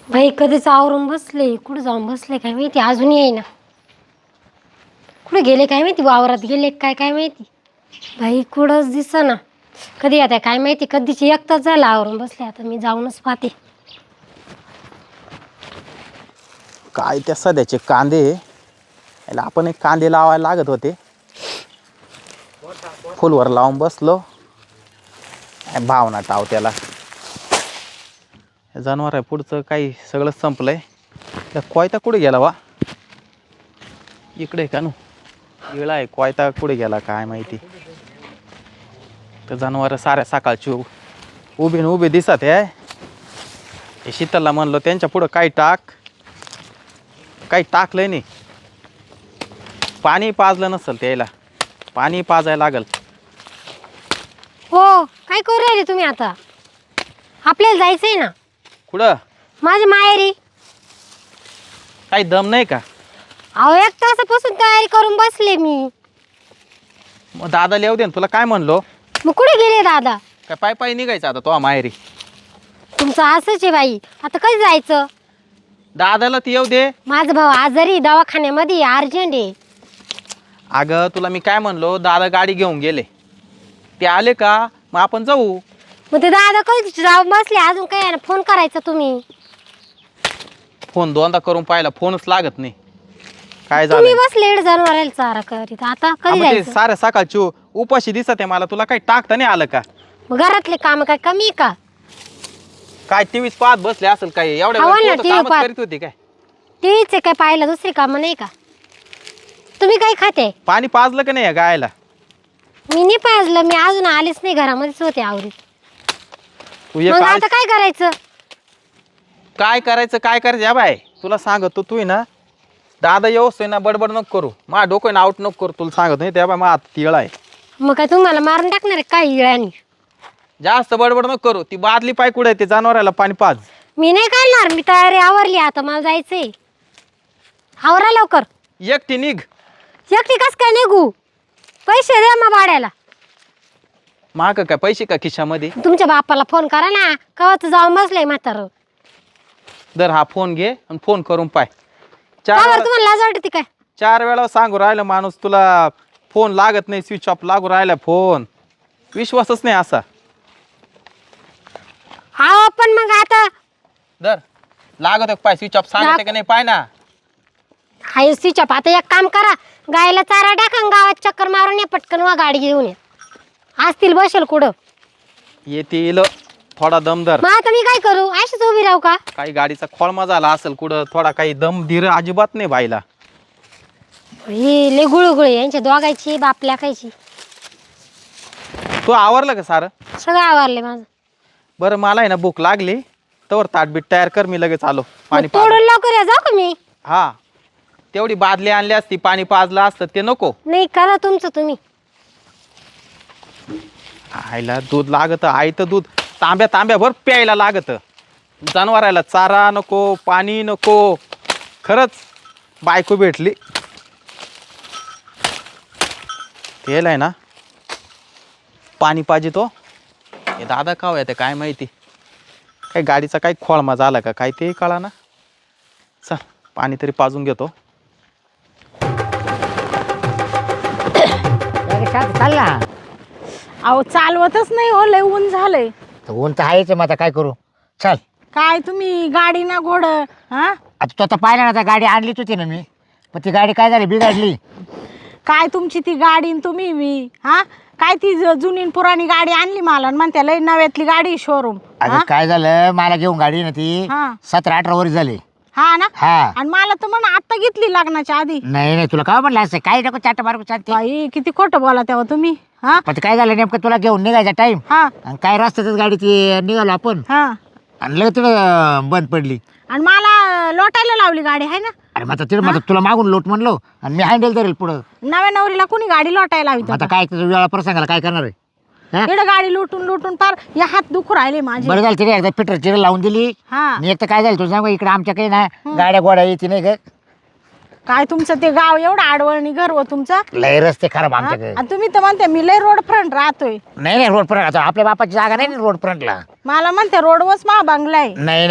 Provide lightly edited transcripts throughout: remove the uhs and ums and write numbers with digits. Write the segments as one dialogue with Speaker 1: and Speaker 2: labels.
Speaker 1: बाई कधीच आवरून बसले, कुठं जाऊन बसले काय माहिती, अजून येईना. कुठे गेले काय माहिती, वावरात गेले काय काय माहिती. बाई कुठंच दिसेना. कधी आता काय माहिती, कधीची एक तास झाला आवरून बसले. आता मी जाऊनच पाहते.
Speaker 2: काय त्या सध्याचे कांदे याला आपण एक कांदे लावायला लागत होते. फुलवर लावून बसलो. भावना टाव त्याला जनावर आहे पुढचं काही सगळं संपलंय. त्या कोयता कुठे गेला वा? इकडे का नु गेला आहे कोयता, कुठे गेला काय माहिती. तर जनावर साऱ्या सकाळची उभे दिसत आहे. हे शीतलला म्हणलो त्यांच्या पुढं काही टाकलंय नाही. पाणी पाजलं नसेल त्याला, पाणी पाजायला लागल.
Speaker 1: हो, काय करू राहिले तुम्ही आता? आपल्याला जायचंय ना.
Speaker 2: कुठं?
Speaker 1: माझ्या माहेरी.
Speaker 2: काही दम नाही का?
Speaker 1: अहो, एक तासापासून तयारी करून बसले मी.
Speaker 2: मग दादा येऊ दे ना, तुला काय म्हणलो?
Speaker 1: मग कुठे गेले दादा?
Speaker 2: काय पायी निघायचं आता तो माहेरी?
Speaker 1: तुमचं असंच आहे बाई. आता कधी जायचं?
Speaker 2: दादाला ती येऊ दे.
Speaker 1: माझा भाऊ आजारी, दवाखान्यामध्ये अर्जंट आहे.
Speaker 2: अगं तुला मी काय म्हणलो, दादा गाडी घेऊन गेले. ते आले का मग आपण जाऊ.
Speaker 1: मग ते दादा कधी जाऊन बसले, अजून काय आहे ना, फोन करायचा तुम्ही.
Speaker 2: फोन दोनदा करून पाहिला, फोनच लागत नाही. काय
Speaker 1: तुम्ही
Speaker 2: झालं?
Speaker 1: बसले जनावराला चारा करीत. आता कधी जायचं?
Speaker 2: साऱ्या सकाळची उपाशी दिसत आहे मला. तुला काही टाकता नाही आलं का?
Speaker 1: मग घरातले काम काय कमी आहे का?
Speaker 2: काय टीव्हीच पाहत बसले असेल काय? एवढ्या
Speaker 1: हवं ना,
Speaker 2: वेळ
Speaker 1: TV
Speaker 2: कामच
Speaker 1: पाहत.
Speaker 2: करीत होती काय?
Speaker 1: टीव्हीचे काय पाहिलं, दुसरी कामं नाही का? तुम्ही काय खाते?
Speaker 2: पाणी पाजलं का नाही या गायला?
Speaker 1: मी नाही पाजलं, मी अजून आलेच नाही, घरामध्येच होते आवरीत.
Speaker 2: तू ये
Speaker 1: मग
Speaker 2: काय
Speaker 1: आता काय करायचं?
Speaker 2: काय करायचं या बाय. तुला सांगतो तू ना, दादा येऊस ना बडबड नको करू. मा डोकं आउट नको करू. तुला सांगत नाही त्या बाय, मा तिळ आहे.
Speaker 1: मग काय तुम्हाला मारून टाकणार आहे काय इळ्यानी?
Speaker 2: जास्त बडबड नको करू. ती बादली पाय कुठे आहे? ते जनावराला पाणी पाज.
Speaker 1: मी नाही करणार, मी तयारी आवरली. आता मला जायचंय. आवरा लवकर.
Speaker 2: एकटी निघ.
Speaker 1: एकटी कस काय निघू? पैसे द्या मग भाड्याला.
Speaker 2: माग काय पैसे का खिशामध्ये?
Speaker 1: तुमच्या बापाला फोन करा ना, कवाच जाऊन बसलंय म्हातारं.
Speaker 2: दर हा फोन घे आणि फोन करून पाय.
Speaker 1: का बरं, तुम्हाला लाज वाटते काय?
Speaker 2: 4 वेळा सांगू राहिलं माणूस, तुला फोन लागत नाही, स्विच ऑफ लागू राहिला फोन. विश्वासच नाही असा.
Speaker 1: हा पण मग आता
Speaker 2: दर लागत पाय, स्विच ऑफ सांगते का नाही पाय ना.
Speaker 1: हाय स्विच ऑफ. आता एक काम करा, गायला चारा टाका आणि गावात चक्कर मारून या पटकन, वा गाडी घेऊन या. असतील बसेल कुठं.
Speaker 2: येतील थोडा दमदर.
Speaker 1: मग आता मी काय करू? अशीच उभी राहू का?
Speaker 2: काही गाडीचा खोळमा झाला असेल कुठं, थोडा काही दम धीर अजिबात नाही बाईला.
Speaker 1: हे लय गुळगुळे यांच्या दोघायची बाप लेकायची.
Speaker 2: तू आवरलं का सारं?
Speaker 1: सगळं आवरले माझं.
Speaker 2: बरं मला आहे ना भूक लागली, तवर ताटबीट तयार कर, मी लगेच आलो.
Speaker 1: मग तोडून लवकर या, जाऊ का मी?
Speaker 2: हा, तेवढी बादली आणली असती, पाणी पाजलं असतं ते नको.
Speaker 1: नाही, करा तुमचं तुम्ही.
Speaker 2: आईला दूध लागत, आईचं दूध तांब्या भर प्यायला लागत. जनावराला चारा नको, पाणी नको. खरंच बायको भेटली. तेल आहे ना, पाणी पाहिजे तो. हे दादा का येते काय माहिती. काही गाडीचा काही खोळमा झाला का काय ते कळा ना. चल पाणी तरी पाजून घेतो.
Speaker 3: चालला.
Speaker 4: अहो चालवतच नाही हो, लय ऊन झालंय.
Speaker 3: ऊन तर आहेच, मग आता काय करू. चल.
Speaker 4: काय तुम्ही गाडी ना घोड हा?
Speaker 3: आता तू आता पाहिलं ना, आता गाडी आणलीच होती ना मी, पण ती गाडी काय झाली, बिघडली.
Speaker 4: काय तुमची ती गाडी न तुम्ही मी हा? काय ती जुनी न पुराणी गाडी आणली मला आणि म्हणते लय नव्यातली गाडी शोरूम.
Speaker 3: अगं काय झालं, मला घेऊन गाडी ना ती
Speaker 4: हा.
Speaker 3: 17-18 वर्ष झाली.
Speaker 4: हा ना.
Speaker 3: हा.
Speaker 4: आणि मला तर म्हण आता घेतली लग्नाच्या आधी.
Speaker 3: नाही तुला काय म्हणलं असं, काही नको चाट मार्ग चालते.
Speaker 4: बाई किती खोटं बोला तेव्हा तुम्ही. हा
Speaker 3: पण ते काय झालं नेमकं, तुला घेऊन निघायचा टाइम
Speaker 4: हा
Speaker 3: आणि काय रस्त्यातच गाडी ती निघालो आपण
Speaker 4: हा.
Speaker 3: आणि लगेच तिथं बंद पडली.
Speaker 4: आणि मला लोटायला लावली गाडी आहे ना.
Speaker 3: अरे मग आता तिथं मग तुला मागून लोट म्हणलो आणि मी हँडल धरेल पुढं.
Speaker 4: नव्या नवरीला कोणी गाडी लोटायला लावी
Speaker 3: आता काय वेळा प्रसंगाला काय करणार आहे. हा?
Speaker 4: इकडे गाडी लुटून लुटून पार या हात दुखू राहिले माझे.
Speaker 3: बरं झालं तिने एकदा पिटर चिर लावून दिली.
Speaker 4: हा.
Speaker 3: आणि एक तर काय झालं तुझं सांग, इकडे आमच्याकडे ना गाड्या गोड्या येते नाही ग.
Speaker 4: काय तुमचं ते गाव एवढं आडवळणी घर हो तुमचं.
Speaker 3: लय रस्ते खराब
Speaker 4: हा?
Speaker 3: आमच्याकडे.
Speaker 4: आणि तुम्ही तर म्हणते मी लय रोड फ्रंट राहतोय.
Speaker 3: नाही रोड फ्रंट, आता आपल्या बापाची जागा नाही रोड फ्रंटला.
Speaker 4: मला म्हणते रोडवरच मा बंगला आहे.
Speaker 3: नाही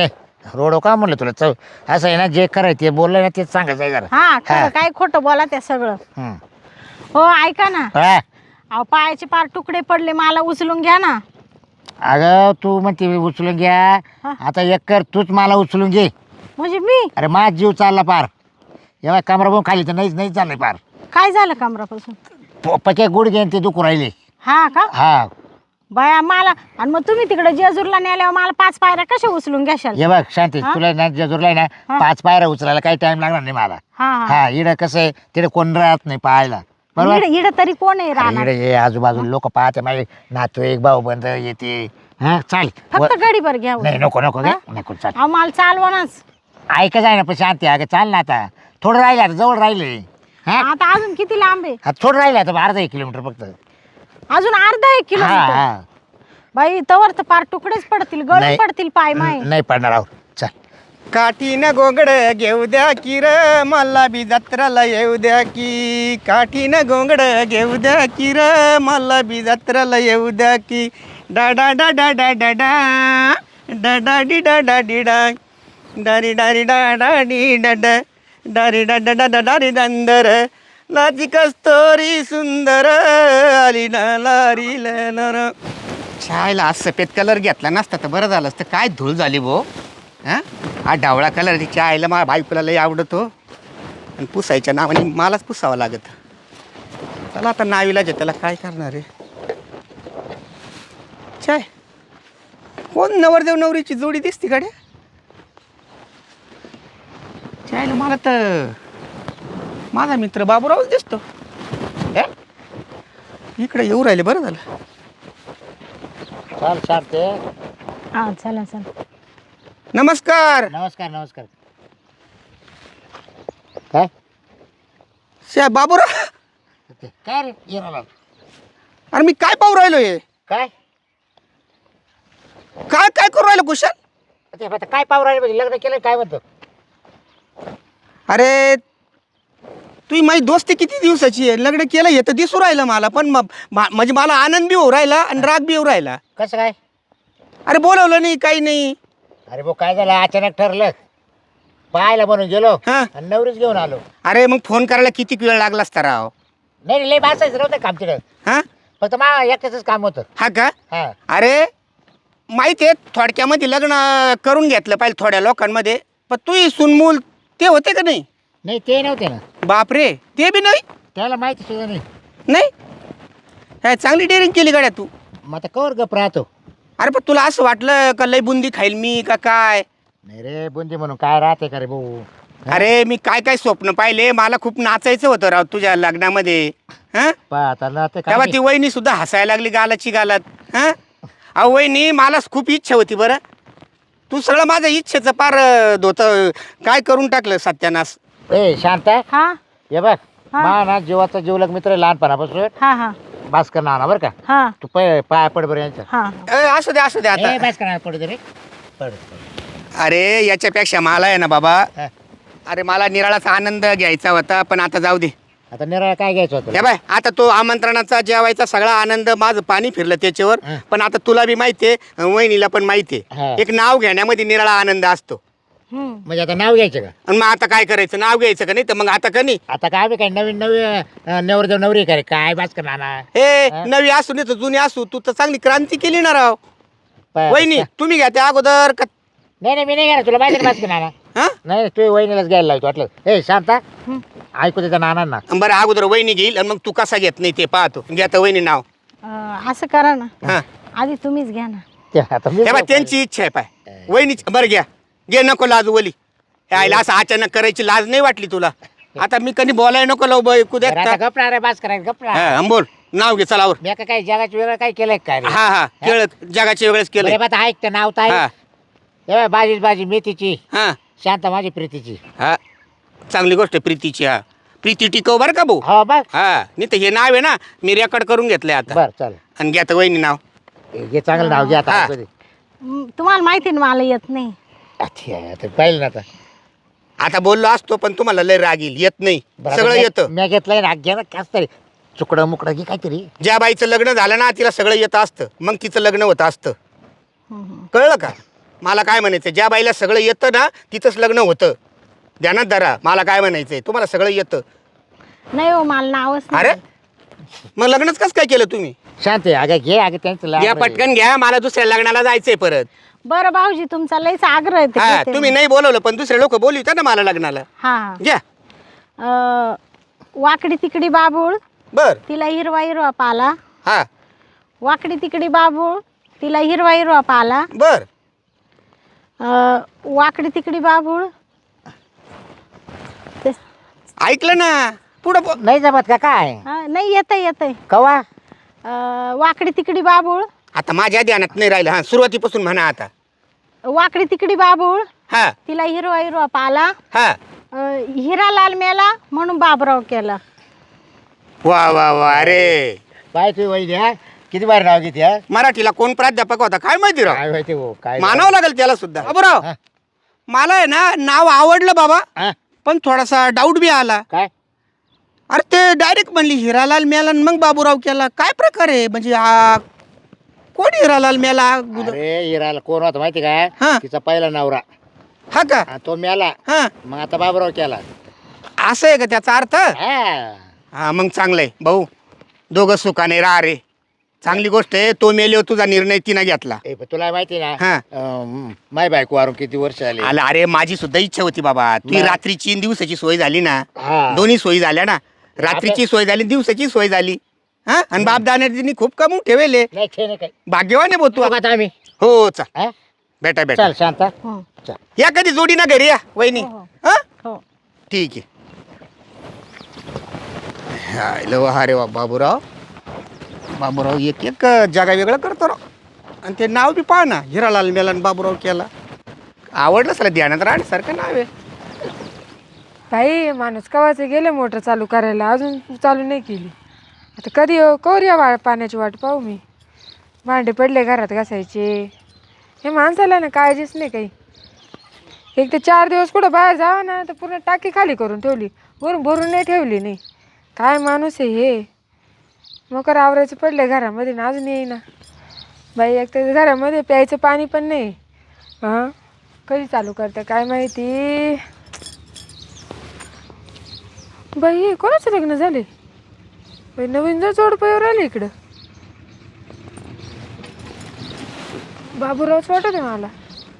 Speaker 3: रोड का म्हणलं तुला चव असं आहे ना जे करायचं ते बोललं ना तेच सांगायचं आहे जरा.
Speaker 4: हा खरं
Speaker 3: हा.
Speaker 4: काय खोटं बोला त्या सगळं.
Speaker 3: हं.
Speaker 4: हो ऐका ना,
Speaker 3: हा.
Speaker 4: अहो पायाचे पार तुकडे पडले, मला उचलून घ्या ना.
Speaker 3: अगं तू म्हणते उचलून घ्या.
Speaker 4: हा.
Speaker 3: आता एक कर तूच मला उचलून घे.
Speaker 4: म्हणजे मी
Speaker 3: अरे माझा जीव चालला पार. एव्हा कमरा बघून खाली तर नाही चाललंय पार.
Speaker 4: काय झालं कमरापासून?
Speaker 3: पके गुडघे आणि ते दुखू राहिले.
Speaker 4: हा का
Speaker 3: हा
Speaker 4: बाया मला, आणि मग तुम्ही तिकडे जेजूरला नेल्यावर मला 5 पायऱ्या कशा उचलून घ्याशाल?
Speaker 3: हे बघ शांती
Speaker 4: हा?
Speaker 3: तुला ना जेजूरला आहे ना
Speaker 4: हा.
Speaker 3: 5 पायऱ्या उचलायला काही टाइम लागणार नाही मला.
Speaker 4: हा हा
Speaker 3: हा इकडं कसं आहे तिकडे कोण राहत नाही पाहायला बरोबर.
Speaker 4: इड तरी कोण आहे राहणार?
Speaker 3: इकडे ये आजूबाजूला लोक पाहते माझे नातू एक भाऊ बंद येते. हा चाल
Speaker 4: फक्त गाडीभर घ्या.
Speaker 3: नाही नको नको
Speaker 4: हा?
Speaker 3: नको चाल.
Speaker 4: अहो मला चालवणच.
Speaker 3: ऐका जाय ना पण शांती अगं चाल ना आता थोडं राहिलं आता जवळ राहिले. हा
Speaker 4: आता अजून किती लांब आहे?
Speaker 3: आता थोडं राहिलं आता अर्धा 1 किलोमीटर फक्त.
Speaker 4: अजून अर्धा 1
Speaker 3: हा
Speaker 4: किलोमीटर?
Speaker 3: हा
Speaker 4: बाई तवर तर पार तुकडेच पडतील, गळून
Speaker 3: नाही.
Speaker 4: पडतील पाय माय.
Speaker 3: नाही पडणार आहो चाल.
Speaker 2: काठीनं गोंगड घेऊ द्या की र मला बी जत्राला येऊ द्या की. काठीनं गोंगड घेऊ द्या की र मला बी जत्राला येऊ द्या की. डा डा डा डा डा डा डा डा डा डी डा डा डी डा डारी डारी डा डा डी डा डा डारी डा डा डा डा डारी दंदर लाजी कस्तोरी सुंदर आली ना लारी लर. छायला आज सफेद कलर घेतला नसता तर बरं झालं असतं. काय धूळ झाली भो. हां हा डावळा कलर तिच्या आईला माझ्या बायकोला लई आवडतो आणि पुसायच्या नावाने मलाच पुसावं लागत. चला आता नावीलाच आहे, त्याला काय करणार आहे. चाय कोण नवरदेव नवरीची जोडी दिसती गाड्या. चायला मला तर माझा मित्र बाबूरावच दिसतो. हे? इकडे येऊ राहिले बरं झालं.
Speaker 3: चाल शांती.
Speaker 4: हा चला चला.
Speaker 2: नमस्कार.
Speaker 3: नमस्कार नमस्कार. काय
Speaker 2: शे बाबूराव.
Speaker 3: काय रे ये मला.
Speaker 2: अरे मी काय पाहू राहिलो हे.
Speaker 3: काय
Speaker 2: काय काय करू राहिलो कुशल.
Speaker 3: ते आता काय पाहू राहिले म्हणजे लग्न केलं काय म्हणतो.
Speaker 2: अरे तुझी माझी दोस्ती किती दिवसाची आहे. लग्न केलं हे तर दिसू राहिलं मला, पण म्हणजे मला आनंद बी होऊ राहिला आणि राग बी होऊ राहिला.
Speaker 3: कसं काय.
Speaker 2: अरे बोलवलं नाही काही नाही.
Speaker 3: अरे भाऊ काय झालं अचानक ठरलं पाहायला म्हणून गेलो
Speaker 2: हा.
Speaker 3: आणि नवरीच घेऊन आलो.
Speaker 2: अरे मग फोन करायला किती वेळ लागला असता राव.
Speaker 3: नाही लय बसायचं नव्हतं काम तिकडं
Speaker 2: हा
Speaker 3: फक्त मला एकट्याच काम होतं.
Speaker 2: हा का.
Speaker 3: हा
Speaker 2: अरे माहिती आहे थोडक्यामध्ये लग्न करून घेतलं पाहिजे थोड्या लोकांमध्ये, पण तू सुनमूल ते होते का नाही.
Speaker 3: नाही ते नव्हते ना
Speaker 2: बापरे ते बी नाही.
Speaker 3: त्याला माहिती सुद्धा नाही.
Speaker 2: नाही काय चांगली डेअरिंग केली गाड्या तू.
Speaker 3: मग आता कवर गप राहतो.
Speaker 2: अरे पण तुला असं वाटलं का लय बुंदी खाईल मी का काय.
Speaker 3: नाही रे बुंदी म्हणून काय राहते का रे भाऊ.
Speaker 2: अरे मी काय काय स्वप्न पाहिले. मला खूप नाचायचं होतं राव तुझ्या लग्नामध्ये. हा
Speaker 3: आता ना ते
Speaker 2: तेव्हा
Speaker 3: काय
Speaker 2: ती वहिनी सुद्धा हसायला लागली गालाची गालात. हा अहो वहिनी मला खूप इच्छा होती बरं. तू सगळं माझं इच्छेचं पार धोतं काय करून टाकलं सत्यानाश.
Speaker 3: ए शांत
Speaker 4: हा
Speaker 3: हे बघ
Speaker 4: हा.
Speaker 3: मा ना जीवाचा जीवलग मित्र आहे लहानपणापासून
Speaker 4: हा हा
Speaker 3: भास्कर नाना बरं का.
Speaker 4: हा
Speaker 3: तू पाय पड बरं यांच्या.
Speaker 4: हा
Speaker 2: असू दे असू दे आता.
Speaker 3: ए भास्कर नाना पडू दे रे पड.
Speaker 2: अरे याच्यापेक्षा मला आहे ना बाबा.
Speaker 3: हा.
Speaker 2: अरे मला निराळाचा आनंद घ्यायचा होता, पण आता जाऊ दे.
Speaker 3: आता निराळा काय घ्यायचं होतं.
Speaker 2: हे बाय आता तो आमंत्रणाचा जेवायचा सगळा आनंद माझं पाणी फिरलं त्याच्यावर.
Speaker 3: हा.
Speaker 2: पण आता तुला बी माहितीये वहिनीला पण माहितीये
Speaker 3: हा.
Speaker 2: एक नाव घेण्यामध्ये निराळा आनंद असतो.
Speaker 4: हम्म.
Speaker 3: म्हणजे आता नाव घ्यायचं का.
Speaker 2: आणि मग आता काय करायचं नाव घ्यायचं का नाही तर मग आता का नाही.
Speaker 3: आता काय बी काय नवीन नवरदेव नवरी काय काय भास्कर नाना.
Speaker 2: हे
Speaker 3: हा.
Speaker 2: नवी असू नाही तर जुनी असू तू तर चांगली क्रांती केली ना राव.
Speaker 3: प-
Speaker 2: वहिनी तुम्ही घ्या त्या अगोदर का.
Speaker 3: नाही नाही मी नाही घेणार तुला माहिती भास्कर नाना.
Speaker 2: हा
Speaker 3: नाही तू वहिनीलाच घ्यायला लावतो वाटलं. ए शांता ऐकू त्याच्या नानांना.
Speaker 2: बरं अगोदर वहिनी घेईल आणि मग तू कसा घेत नाही ते पाहतो. घ्या तर वहिनी नाव.
Speaker 4: असं करा ना,
Speaker 2: हा
Speaker 4: आधी तुम्हीच घ्या ना.
Speaker 3: ते आता मी
Speaker 2: हे बा त्यांची इच्छा आहे पाय वहिनी. बरं घ्या घे नको लाज वली. हे आईला असं अचानक करायची लाज नाही वाटली तुला. आता मी कधी बोलाय नको लावू बाई कुद्या.
Speaker 3: बरं, आता गपणार रे भास्कर गपणार.
Speaker 2: हा बोल नाव घे चलावर.
Speaker 3: मी का काय जगाचं वेगळं काय केलंय काय रे?
Speaker 2: हा हा केळ जगाच्या वेळेस केलं.
Speaker 3: बरं, आता ऐक तर नाव तर
Speaker 2: हा
Speaker 3: ऐक. बाजी बाजी मेथीची
Speaker 2: हा
Speaker 3: शांता माझी प्रीतीची.
Speaker 2: हा चांगली गोष्ट आहे प्रीतीची. हा प्रीती टिकव बरं का भाऊ.
Speaker 3: हो बघ
Speaker 2: हा नाही तर हे नाव आहे ना मी रेकॉर्ड करून घेतलंय आता.
Speaker 3: बर चल
Speaker 2: आणि घ्या तर वहिनी नाव.
Speaker 3: घे चांगलं नाव घे आता.
Speaker 2: हा.
Speaker 3: कधी.
Speaker 4: तुम्हाला माहिती ना मला येत नाही.
Speaker 3: आता पाहिलं ना आता.
Speaker 2: आता बोललो असतो पण तुम्हाला लय राग येईल. येत नाही
Speaker 3: बरं,
Speaker 2: सगळं
Speaker 3: आता
Speaker 2: येतं.
Speaker 3: मी घेतलंय ना घे ना कास तरी चुकडं मुकडं घे काहीतरी.
Speaker 2: ज्या बाईचं लग्न झालं ना तिला सगळं येतं असतं मग तिचं लग्न होतं असतं.
Speaker 4: हम्म.
Speaker 2: कळलं का.
Speaker 5: मला काय म्हणायचं, ज्या बाईला सगळं येतं ना तिचंच लग्न होतं. ध्यानात धरा, मला काय म्हणायचंय, तुम्हाला सगळं येतं.
Speaker 4: नाही हो, मला नावच नाही.
Speaker 5: अरे मग लग्नच कसं काय केलं तुम्ही?
Speaker 3: शांत आहे अगं, घे अगं त्यांचं
Speaker 5: घ्या
Speaker 3: लागलं.
Speaker 5: पटकन घ्या, मला दुसऱ्या लग्नाला जायचंय परत.
Speaker 4: बरं भाऊजी, तुमचा लयच आग्रह आहे ते
Speaker 5: हा
Speaker 4: घेते
Speaker 5: तुम्ही
Speaker 4: मी.
Speaker 5: नाही बोलवलं पण दुसरे लोक बोलवतात ना मला लग्नाला.
Speaker 4: हा
Speaker 5: घ्या.
Speaker 4: हा वाकडी तिकडी बाबूळ,
Speaker 5: बर.
Speaker 4: तिला हिरवा हिरवा पाला.
Speaker 5: हा
Speaker 4: वाकडी तिकडी बाबूळ, तिला हिरवा हिरवा पाला.
Speaker 5: बर.
Speaker 4: वाकडी तिकडी बाबूळ.
Speaker 5: ऐकलं ना, पुढं
Speaker 3: नाही जमत का काय?
Speaker 4: नाही, येतंय येतंय.
Speaker 3: कवा?
Speaker 4: वाकडी तिकडी बाबूळ.
Speaker 5: आता माझ्या ध्यानात नाही राहिलं. हा सुरुवातीपासून म्हणा आता.
Speaker 4: वाकडी तिकडी बाबूळ,
Speaker 5: हा
Speaker 4: तिला हिरवा हिरवा पाला.
Speaker 5: हा.
Speaker 4: हिरा लाल मेला म्हणून बाबराव केला.
Speaker 5: वा वा वा. अरे
Speaker 3: काय तुम्ही वही द्या, किती बार नाव घेते हा?
Speaker 5: मराठीला कोण प्राध्यापक होता काय माहिती राव.
Speaker 3: काय माहिती हो काय
Speaker 5: मानावं लागेल त्याला सुद्धा. बाबूराव
Speaker 3: हा.
Speaker 5: मला आहे ना नाव आवडलं बाबा,
Speaker 3: हा?
Speaker 5: पण थोडासा डाऊट बी आला.
Speaker 3: काय?
Speaker 5: अरे ते डायरेक्ट म्हणली हिरालाल मेला आणि मग बाबूराव केला. काय प्रकार आहे म्हणजे हा? कोण हिरालाल मेला?
Speaker 3: अरे हिराला कोण होता माहिती काय?
Speaker 5: हा.
Speaker 3: तिचा पहिला नवरा.
Speaker 5: हा का?
Speaker 3: हा, तो मेला,
Speaker 5: हा
Speaker 3: मग आता बाबराव केला.
Speaker 5: असं आहे का त्याचा अर्थ?
Speaker 3: हा.
Speaker 5: हा मग चांगलंय भाऊ, दोघं सुखाने राहा रे. चांगली गोष्ट आहे. तो मेले तुझा निर्णय तिनं घेतला.
Speaker 3: पण तुला माहिती ना
Speaker 5: हा.
Speaker 3: माय बायको वारून किती वर्ष आले.
Speaker 5: आला. अरे माझी सुद्धा इच्छा होती बाबा. ती
Speaker 3: मग?
Speaker 5: रात्रीची आणि दिवसाची सोय झाली ना.
Speaker 3: हा.
Speaker 5: दोन्ही सोयी झाल्या ना. रात्रीची सोय झाली, दिवसाची सोय झाली. हा आणि बाप दाण्याने खूप कमवून ठेवले.
Speaker 3: नाही छे नाही काय.
Speaker 5: भाग्यवान आहे भाऊ तू.
Speaker 3: बघू आता आम्ही.
Speaker 5: हो चल
Speaker 3: हा?
Speaker 5: बेटा बेटा.
Speaker 3: चल शांत.
Speaker 4: हो
Speaker 3: चल.
Speaker 5: या कधी जोडी ना घरी या वहिनी.
Speaker 4: हो, हो.
Speaker 5: हा
Speaker 4: हो.
Speaker 5: ठीक आहे. अरे वा बाबूराव. बाबूराव एक एक जागा वेगळं करतो राव. आणि ते नाव बी पहा ना, हिरालाल मेलन बाबूराव केला. आवडलं सला, ध्यानात राहण्यासारखं नाव आहे.
Speaker 6: बाई माणूस कवाचे गेले मोटर चालू करायला, अजून चालू नाही केली. आता कधी कवर या पाण्याची वाट पाहू मी. भांडे पडले घरात घासायचे. हे माणसाला ना काळजीच नाही काही. एक तर 4 दिवस कुठं बाहेर जावं ना तर पूर्ण टाकी खाली करून ठेवली, वरून भरून नाही ठेवली नाही. काय माणूस आहे हे. मकर आवरायचं पडले घरामध्ये ना अजून येईना बाई. एक तर घरामध्ये प्यायचं पाणी पण नाही. हां कधी चालू करतं काय माहिती. बाई हे कोणाचं लग्न झाले बाई. नवीन जर जोडपयावर आले इकडं. बाबूरावच वाटत आहे मला.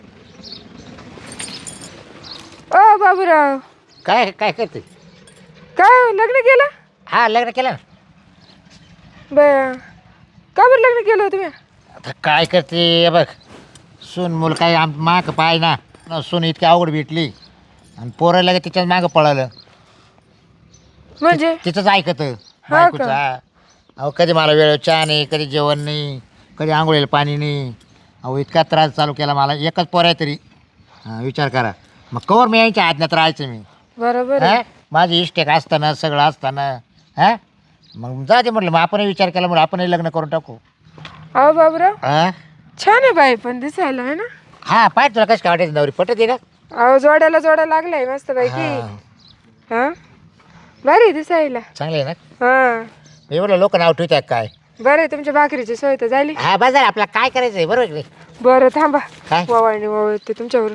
Speaker 6: ओ बाबूराव,
Speaker 3: काय काय करते?
Speaker 6: काय लग्न केलं?
Speaker 3: हा लग्न केलं ना.
Speaker 6: बाय का बरं लग्न केलं तुम्ही?
Speaker 3: आता काय करते हे बघ, सून मूल काय माग पाय ना. सून इतकी अवघड भेटली आणि पोराला का तिच्याच मागं पळालं.
Speaker 6: म्हणजे
Speaker 3: तिचंच ऐकत
Speaker 6: का?
Speaker 3: बायकोचा. अहो कधी मला वेळ चहा नाही, कधी जेवण नाही, कधी आंघोळीला पाणी नाही. अहो इतका त्रास चालू केला मला. एकच पोर आहे तरी. विचार करा मग कवर मी यांच्या आज्ञात राहायचं मी.
Speaker 6: बरोबर
Speaker 3: हा
Speaker 6: आहे.
Speaker 3: माझी इष्टेक असताना सगळं असताना. हा मग जाते म्हटलं, मग आपणही विचार केला म्हणून आपणही लग्न करून टाकू.
Speaker 6: अहो बाबूराव
Speaker 3: हा
Speaker 6: छान आहे बाई पण दिसायला आहे ना.
Speaker 3: हा पाय तुला कसं काय वाटायचं नवरी पटत आहे का?
Speaker 6: अहो जोड्याला जोडा लागलाय मस्त पैकी.
Speaker 3: हा,
Speaker 6: हा बरी दिसायला.
Speaker 3: चांगलं आहे ना.
Speaker 6: हा
Speaker 3: एवढं लोक नाव ठेवतात काय.
Speaker 6: बरं आहे, तुमच्या भाकरीची सोय तर झाली.
Speaker 3: हा बाजार आपला काय करायचं आहे बरोबर आहे.
Speaker 6: बरं थांबा,
Speaker 3: काय
Speaker 6: ववाळणी वळते तुमच्यावरून.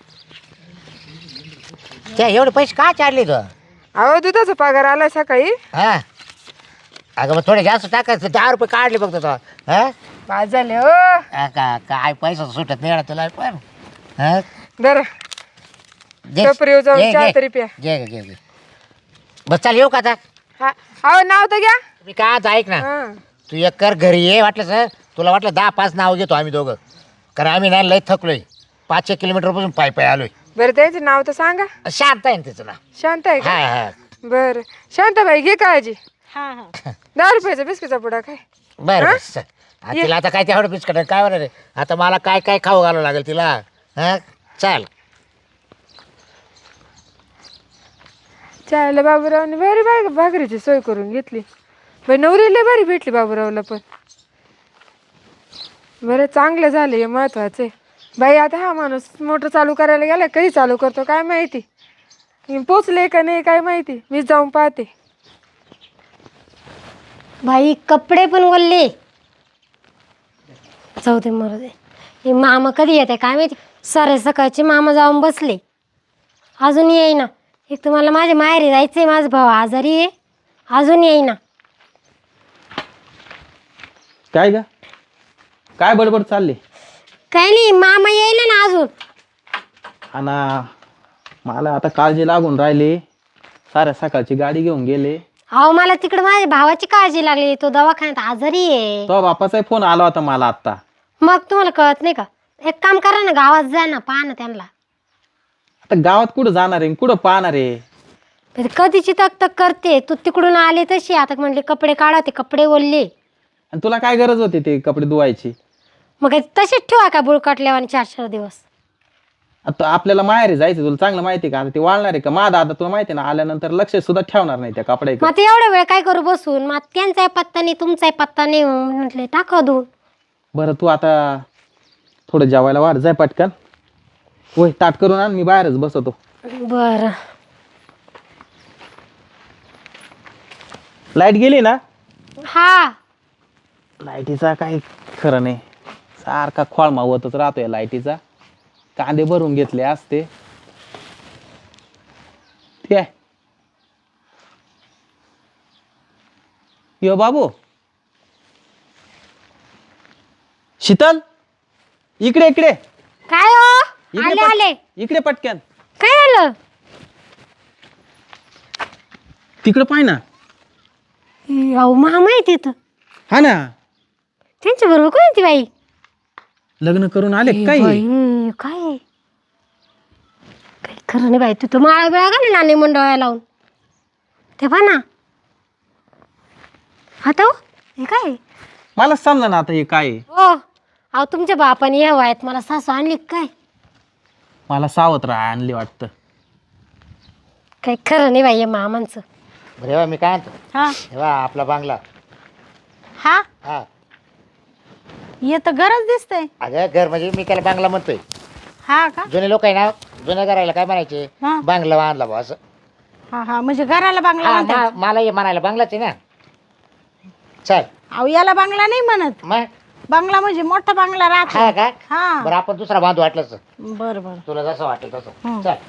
Speaker 3: त्या एवढे पैसे का चालले तू?
Speaker 6: अहो दुधाचा पगार आला सकाळी.
Speaker 3: हा अगं मग थोडे जास्त टाकायचं. 10 रुपये काढले बघतो तो. हा
Speaker 6: पाच झाले हो.
Speaker 3: काय पैसा सुटत नाही तुला पण. हा
Speaker 6: बरं
Speaker 3: दे.
Speaker 6: टपरीवर जाऊन
Speaker 3: घे,
Speaker 6: चहा
Speaker 3: घे.
Speaker 6: तरी प्या.
Speaker 3: घे घे घे. बस चाल येऊ का आता?
Speaker 6: हा अहो नाव तर घ्या.
Speaker 3: मी काय आता ऐक ना,
Speaker 6: हा
Speaker 3: तू एक कर घरी ये. वाटलं सर तुला वाटलं 10-5 नाव घेतो आम्ही दोघं, कारण आम्ही ना लय थकलोय. 5-1 किलोमीटरपासून पायी आलोय.
Speaker 6: बरं त्याचं नाव तर सांगा.
Speaker 3: शांत आहे ना तिचं नाव.
Speaker 6: शांत आहे
Speaker 3: हा
Speaker 6: का?
Speaker 3: हा
Speaker 6: बरं शांताबाई घे काळजी.
Speaker 4: हा हा
Speaker 6: 10 रुपयाचा बिस्किटचा पुडा काय.
Speaker 3: बरं
Speaker 6: हा?
Speaker 3: बरं चल. हा, तिला आता काय तेवढं बिस्कट काय होणार आहे. आता मला काय काय खाऊ घालावं लागेल तिला. हा चाल.
Speaker 6: चायला बाबूरावने बरी भाकरीची सोय करून घेतली. बाई नवरीला बरी भेटली बाबूरावला पण. बरं चांगलं झालं हे महत्वाचं आहे. बाई आता हा माणूस मोटर चालू करायला गेला, कधी चालू करतो काय माहिती. पोचले का नाही काय माहिती. मी जाऊन पाहते.
Speaker 1: बाई कपडे पण ओलले. जाऊ दे मरू दे. हे मामा कधी येते काय माहिती. सरे सकाळचे मामा जाऊन बसले, अजून येईना. एक तर मला माझ्या माहेरी जायचंय, माझा भाऊ आजारी आहे, अजून येईना.
Speaker 2: काय ग, काय बडबड चालली?
Speaker 1: काही नाही, मामा येईल ना अजून.
Speaker 2: आणि मला आता काळजी लागून राहिली, साऱ्या सकाळची गाडी घेऊन गेले.
Speaker 1: अहो मला तिकडे माझ्या भावाची काळजी लागली, तो दवाखान्यात आजारी आहे.
Speaker 2: तो बापाचा फोन आला होता मला आत्ता.
Speaker 1: मग तुम्हाला कळत नाही का? एक काम करा ना, गावात जा ना, पहा ना त्यांना.
Speaker 2: आता गावात कुठं जाणार आहे, कुठं पाहणार आहे?
Speaker 1: पण कधीची तक तक करते, तू तिकडून आले तशी. आता म्हणले कपडे काढा, ते कपडे ओलले.
Speaker 2: आणि तुला काय गरज होती ते कपडे धुवायची?
Speaker 1: मग तसेच ठेवा का बुळकटल्यावर आणि 4-4 दिवस?
Speaker 2: आता आपल्याला माहेरी जायचं, तुला चांगलं माहिती का? आता ते वाळणार आहे का? माझा दादा तुला माहिती ना, आल्यानंतर लक्ष सुद्धा ठेवणार नाही त्या कपड्याकडे.
Speaker 1: मग ते एवढा वेळ काय करू बसून? मग त्यांचाही पत्ता नाही, तुमचाही पत्ता नाही, म्हटले टाका धुवून.
Speaker 2: बरं तू आता थोडं जेवायला वाढ, जाय पटकन. होय ताट करून आण, मी बाहेरच बसवतो.
Speaker 1: बर.
Speaker 2: लाईट गेली ना?
Speaker 1: हा,
Speaker 2: लाईटीचा काही खरं नाही, सारखा खोळमा होतच राहतोय लाईटीचा. कांदे भरून घेतले असते ते. यो बाबू, शीतल, इकडे इकडे
Speaker 1: काय हो?
Speaker 2: इकडे
Speaker 1: आले
Speaker 2: पट-
Speaker 1: आले.
Speaker 2: इकडे पटकन.
Speaker 1: काय झालं?
Speaker 2: तिकडे पाय ना.
Speaker 1: अहो मामा आहे तिथं.
Speaker 2: हा ना,
Speaker 1: त्यांच्या बरोबर कोण आहे ती बाई?
Speaker 2: लग्न करून आले काय?
Speaker 1: बाई, काय काही खरं नाही बाई. तू तर माळा बिळा घाल नाणे मंडळाला लावून. ते पहा ना. आता हो, हे काय?
Speaker 2: मला समजा ना आता हे काय आहे.
Speaker 1: हो, अहो तुमच्या बापाने या वयात मला सासू आणली का काय?
Speaker 2: मला सावत्र आणली वाटतं.
Speaker 1: काही खरं नाही बाई या मामांचं.
Speaker 3: बरे मी काय म्हणतो,
Speaker 4: हा
Speaker 3: हेवा आपला बांगला.
Speaker 4: हा,
Speaker 3: हा
Speaker 4: हे तर गरज दिसतंय.
Speaker 3: अगं घर म्हणजे मी त्याला बांगला म्हणतोय.
Speaker 4: हा का?
Speaker 3: जुने लोक आहे ना, जुन्या घराला काय म्हणायचे,
Speaker 4: हा.
Speaker 3: बांगला बांधला बा असं.
Speaker 4: हा हा, म्हणजे घराला बांगला
Speaker 3: हा,
Speaker 4: म्हणतात.
Speaker 3: मला हे म्हणायला बांगलाच आहे ना. चल
Speaker 4: अहो याला बांगला नाही म्हणत.
Speaker 3: मग
Speaker 4: बांगला म्हणजे मोठा बांगला
Speaker 3: हा
Speaker 4: राहतो.
Speaker 3: का?
Speaker 4: हा,
Speaker 3: बरं आपण दुसरा बांधू वाटलंच,
Speaker 4: बर बर.
Speaker 3: तुला जसं वाटेल तसं.
Speaker 4: हं.
Speaker 3: चल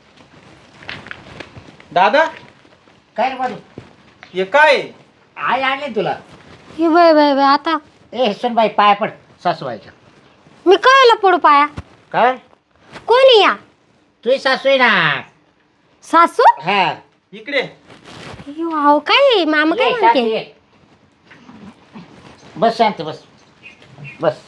Speaker 2: दादा,
Speaker 3: काय रे बाजू,
Speaker 2: हे काय?
Speaker 3: आई आणली ना तुला.
Speaker 1: हे बाय बाय बाय, आता
Speaker 3: ए सुनबाई पाय पड सासूबाईच्या.
Speaker 1: मी कळलं पडू पाया.
Speaker 3: काय
Speaker 1: कोणी या?
Speaker 3: तुझी सासू आहे ना.
Speaker 1: सासू?
Speaker 3: हा
Speaker 2: इकडे
Speaker 1: अहो काय मामा काय
Speaker 3: ये,
Speaker 1: म्हणते?
Speaker 3: शांती ये. बस शांत बस बस.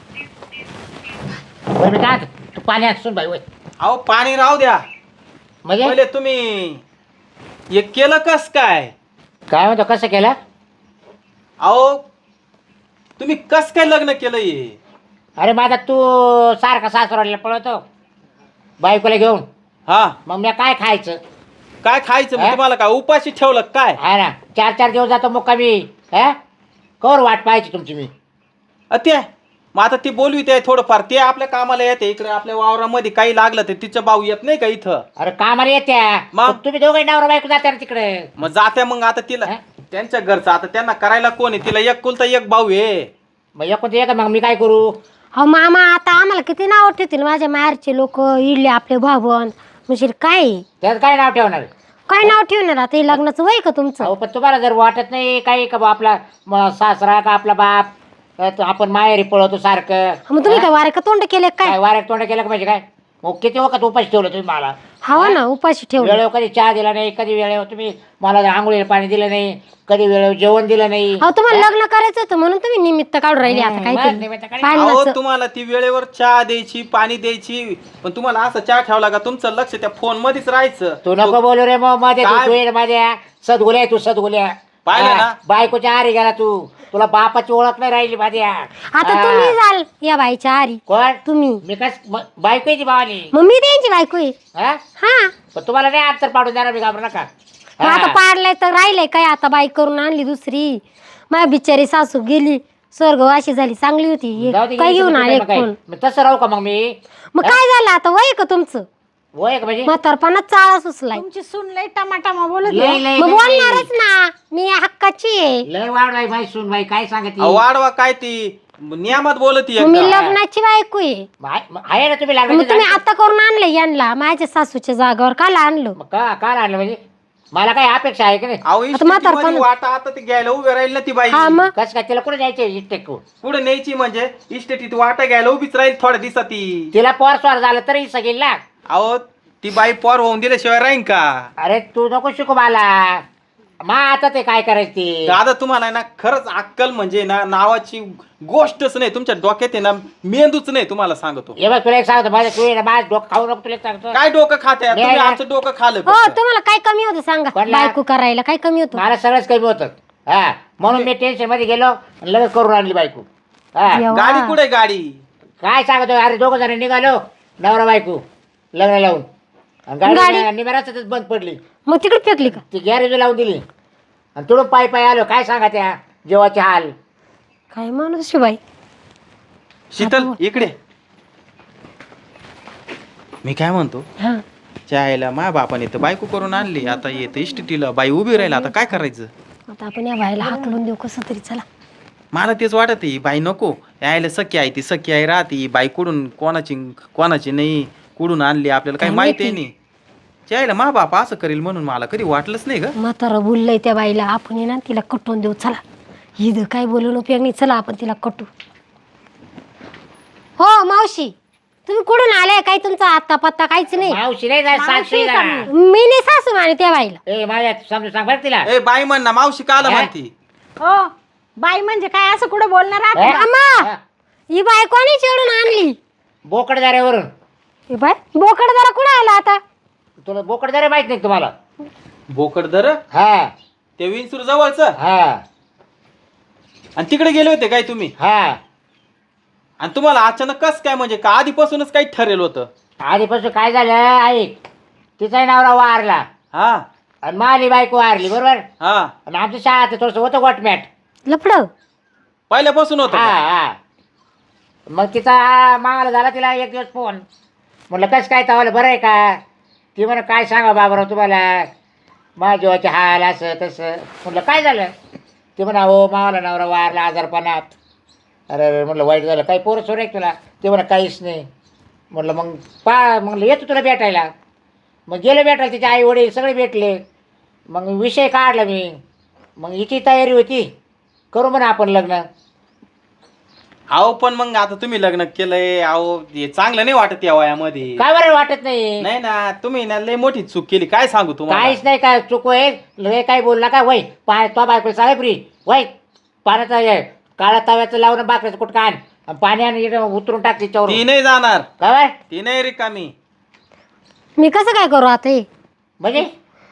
Speaker 3: बरं मी काय म्हणतो, तू पाणी आण सुनबाई वय.
Speaker 2: अहो पाणी राहू द्या.
Speaker 3: म्हणजे
Speaker 2: पहिले तुम्ही हे केलं कस काय?
Speaker 3: काय म्हणतो, कसं केलं?
Speaker 2: अहो तुम्ही कस काय लग्न केलं हे?
Speaker 3: अरे माझा तू सारखा सासरवाडीला पळवतो बायकोला घेऊन,
Speaker 2: हा,
Speaker 3: मग मी काय खायचं?
Speaker 2: काय खायचं मग?
Speaker 3: हा?
Speaker 2: तुम्हाला काय उपाशी ठेवलं काय?
Speaker 3: हा ना, 4-4 दिवस जातो मुक्कामी. हा कवर वाट पाहायची तुमची मी.
Speaker 2: ते मग आता ती बोलवी ते थोडंफार, ते आपल्या कामाला येते इकडे आपल्या वावरामध्ये काही लागलं तर तिचं भाऊ येत नाही का इथं?
Speaker 3: अरे कामाला येत्या
Speaker 2: मग?
Speaker 3: मग तुम्ही दोघे नवरा बायको जात्या ना तिकडे.
Speaker 2: मग जात्या मग आता तिला
Speaker 3: हा?
Speaker 2: त्यांच्या घरचं आता त्यांना करायला कोण आहे? तिला एक कुलता एक भाऊ आहे.
Speaker 3: मग एकूण ते मग मी काय करू?
Speaker 1: अहो मामा आता आम्हाला किती नाव ठेवतील माझ्या माहेरचे लोक, इडले आपले भावन. म्हणजे काय
Speaker 3: त्यात काय नाव ठेवणार?
Speaker 1: काय नाव ठेवणार आता? हे लग्नाचं वय का तुमचं?
Speaker 3: अहो पण तुम्हाला जर वाटत नाही काही का बा आपला सासरा का आपला बाप, तर आपण माहेरी पळवतो सारखं.
Speaker 1: मग तुम्ही काय वारे का तोंड केले काय?
Speaker 3: काय वाऱ्यात तोंड केलं का म्हणजे काय? मग किती वखत उपाशी ठेवलं तुम्ही मला.
Speaker 1: हवा ना, उपाशी ठेवलं.
Speaker 3: वेळेवर कधी चहा दिला नाही, कधी वेळेवर तुम्ही मला आंघोळीला पाणी दिलं नाही, कधी वेळेवर जेवण दिलं नाही.
Speaker 1: अहो तुम्हाला लग्न करायचं होतं म्हणून तुम्ही निमित्त काढून राहिले आता
Speaker 3: मग
Speaker 1: काहीतरी
Speaker 3: निमित्त काढ-
Speaker 2: अहो
Speaker 1: भांडणाचं.
Speaker 2: तुम्हाला ती वेळेवर चहा द्यायची, पाणी द्यायची, पण तुम्हाला असं चहा ठेवला का तुमचं लक्ष त्या फोन मध्येच राहायचं.
Speaker 3: तू नको बोलू रे मग मध्ये.
Speaker 2: काय?
Speaker 3: तू ये माझ्या सदगुल्या, तू सदगुल्या.
Speaker 2: पाहिलं
Speaker 3: हा,
Speaker 2: ना?
Speaker 3: बायकोच्या आरी गेला तू. तुला बापाची ओळख नाही राहिली माझ्या.
Speaker 1: आता तुम्ही जाल या बाईच्या आरी.
Speaker 3: कोण?
Speaker 1: तुम्ही.
Speaker 3: मी कस बायको आहे ती भावानी.
Speaker 1: मग मी त्यांची बायको आहे.
Speaker 3: हा
Speaker 1: हा,
Speaker 3: पण तुम्हाला नाही अंतर पाडून देणार मी, घाबरू नका.
Speaker 1: मग आता
Speaker 3: हा.
Speaker 1: पाडलंय तर राहिलंय काय? आता बाईक करून आणली दुसरी. माझ्या बिचारी सासू गेली स्वर्गवाशी झाली, चांगली होती. हे
Speaker 3: जाऊ दे,
Speaker 1: काय
Speaker 3: गेली
Speaker 1: घेऊन
Speaker 3: तर
Speaker 1: आले
Speaker 3: मग काय?
Speaker 1: कोण?
Speaker 3: मग तसं राहू का मग मी?
Speaker 1: मग काय झालं आता? वय का तुमचं?
Speaker 3: वय का म्हणजे?
Speaker 1: म्हातारपणात चाळा सुचलाय.
Speaker 4: तुमची सून लय टमाटामा बोलत
Speaker 3: लय
Speaker 4: आहे.
Speaker 3: लय
Speaker 1: मग
Speaker 3: लय-
Speaker 1: बोलणारच ना, मी हक्काची आहे.
Speaker 3: लय वाढ बाई, माही सून बाई काय सांगते?
Speaker 2: अहो, वाढवा काय ती नियमात बोलत
Speaker 1: मग मी लग्नाची बायको आहे.
Speaker 3: आहे ना तुम्ही
Speaker 1: मग
Speaker 3: लागले
Speaker 1: तुम्ही आता करून आणले यांना माझ्या सासूच्या जागावर काल आणलं?
Speaker 3: काय आणलं म्हणजे मला काही अपेक्षा आहे की नाही?
Speaker 2: अहो
Speaker 1: आता म्हातारपण-
Speaker 2: इस्टेटीमध्ये वाटा आता ते घ्यायला उभे राहील ना ती बाई.
Speaker 1: हा मग
Speaker 3: कसं काय तिला कुठे जायचे इष्टेक
Speaker 2: पुढे न्यायची म्हणजे इस्टेटीत वाटा घ्यायला उभीच राहील थोड्या दिवसाती.
Speaker 3: तिला पोर स्वार झालं तरी सगळी ना.
Speaker 2: अहो ती बाई पोर होऊन दिल्याशिवाय राहीन का?
Speaker 3: अरे तू नको शिकू मला. मा आता ते काय करायची
Speaker 2: दादा तुम्हाला ना खरंच अक्कल म्हणजे ना नावाची गोष्टच नाही तुमच्या डोक्यात आहे ना, मेंदूच नाही. तुम्हाला सांगतो
Speaker 3: हे बघ तुला एक सांगतो माझं तू माझं डोकं खाऊ नको तुला एक सांगतो.
Speaker 2: काय डोकं खाते तुम्ही?
Speaker 3: नाही.
Speaker 2: आमचं डोकं खाल्लं
Speaker 1: हो
Speaker 2: फक्त.
Speaker 1: तुम्हाला काय कमी होतं सांगा?
Speaker 3: कोणला?
Speaker 1: बायको करायला काय कमी होतं?
Speaker 3: मला सगळंच कमी होतं. हा म्हणून मी टेन्शन मध्ये गेलो आणि लगेच करून आणली बायको. हा
Speaker 1: देवा.
Speaker 2: गाडी कुठे गाडी?
Speaker 3: काय सांगतो अरे दोघं जण निघालो नवरा बायको लग्न लावून आणि
Speaker 1: गाडी?
Speaker 3: गाडी निमेराच बंद पडली.
Speaker 1: मग तिकडे फेकली का?
Speaker 3: ती गॅरेज लावून दिली आणि तुडून पायी पायी आलो. काय सांगा त्या जेवाचे हाल.
Speaker 1: काय माणूस शिवाय.
Speaker 2: शीतल इकडे. मी काय म्हणतो,
Speaker 1: हा
Speaker 2: चायला मा बापाने तर बायको करून आणली, आता येते इष्टीला बाई उभी राहिला, आता काय करायचं?
Speaker 1: आता आपण या बाईला हाकलून देऊ कसं तरी. चला
Speaker 2: मला तेच वाटत आहे, बाई नको यायला. सख्या आहे ती, सख्य आहे राहती बाई. कुडून कोणाची नाही, कुडून आणली आपल्याला काही
Speaker 1: काय
Speaker 2: माहिती
Speaker 1: माहिती?
Speaker 2: नाही. चायला मा बाप असं करेल म्हणून मला कधी वाटलंच नाही ग.
Speaker 1: म्हातारं बोललंय त्या बाईला, आपण ये ना तिला कटवून देऊ. चला हिद काय बोलून उपयोग नाही. चला आपण तिला कटू. हो मावशी तुम्ही कुठून आलाय? काय तुमचा आत्ता पत्ता काहीच नाही.
Speaker 3: मावशी नाही जा, सासू जा.
Speaker 1: मी नाही सासू माने त्या बाईला.
Speaker 3: ए माझ्या समजून सांग बरं तिला.
Speaker 2: ए बाई म्हण ना, मावशी काला
Speaker 3: हे?
Speaker 2: म्हणती?
Speaker 4: हो बाई म्हणजे काय असं कुठे बोलणार आहात?
Speaker 3: हे?
Speaker 1: अम्मा
Speaker 3: हा.
Speaker 1: ही बाई कोणी चिडून आणली?
Speaker 3: बोकडदाऱ्यावरून.
Speaker 1: ही बाई बोकड जरा कुठं आला आता?
Speaker 3: तुला बोकडदारे माहित नाही का तुम्हाला?
Speaker 2: बोकड दर
Speaker 3: हा
Speaker 2: ते विंचूर जवळच.
Speaker 3: हा
Speaker 2: आणि तिकडे गेले होते काय तुम्ही?
Speaker 3: हा
Speaker 2: आणि तुम्हाला अचानक कस काय, म्हणजे का आधीपासूनच काही ठरेल होतं?
Speaker 3: आधीपासून काय झालं ऐक. तिचा नवरा वारला
Speaker 2: हा
Speaker 3: आणि माली बायको वारली बरोबर.
Speaker 2: हा
Speaker 3: आणि आमच्या शाळेत थोडस होतं गोटमॅट.
Speaker 1: लफड
Speaker 2: पहिल्यापासून होतं
Speaker 3: हा
Speaker 2: का?
Speaker 3: हा मग तिचा मागायला झाला तिला एक दिवस फोन. म्हटलं कसं काय तवाला बरं आहे का? ती म्हणा काय सांगा बाबराव तुम्हाला माझ्या जीवाचे हाल असं तसं. म्हटलं काय झालं? ते म्हणा हो मावाला नवरा वारला आजारपणात. अरे अरे म्हटलं वाईट झालं. काही पोरं सोर आहे तुला? ते म्हणा काहीच नाही. म्हटलं मग म्हटलं येतो तुला भेटायला. मग गेलो भेटायला. तिचे आई वडील सगळे भेटले. मग विषय काढला मी. मग हिची तयारी होती करू म्हणा आपण लग्न.
Speaker 2: अहो पण मग आता तुम्ही लग्न केलंय, अहो हे चांगलं नाही वाटत या वयामध्ये.
Speaker 3: काय बरं वाटत नाही?
Speaker 2: नाही ना, तुम्ही ना लय मोठी चूक केली. काय सांगू तुम्हाला?
Speaker 3: काहीच नाही काय चूक होईल. लय काय बोलला का वय पाय तो बायको साहेब री वय पाण्याचा हे काळा तव्याचं लावून बाकऱ्याचं कुठं आण आणि पाण्याने उतरून टाक तिच्यावर.
Speaker 2: ती नाही जाणार,
Speaker 3: काय
Speaker 2: ती नाही रिकामी.
Speaker 1: मी कसं काय करू आता? हे
Speaker 3: म्हणजे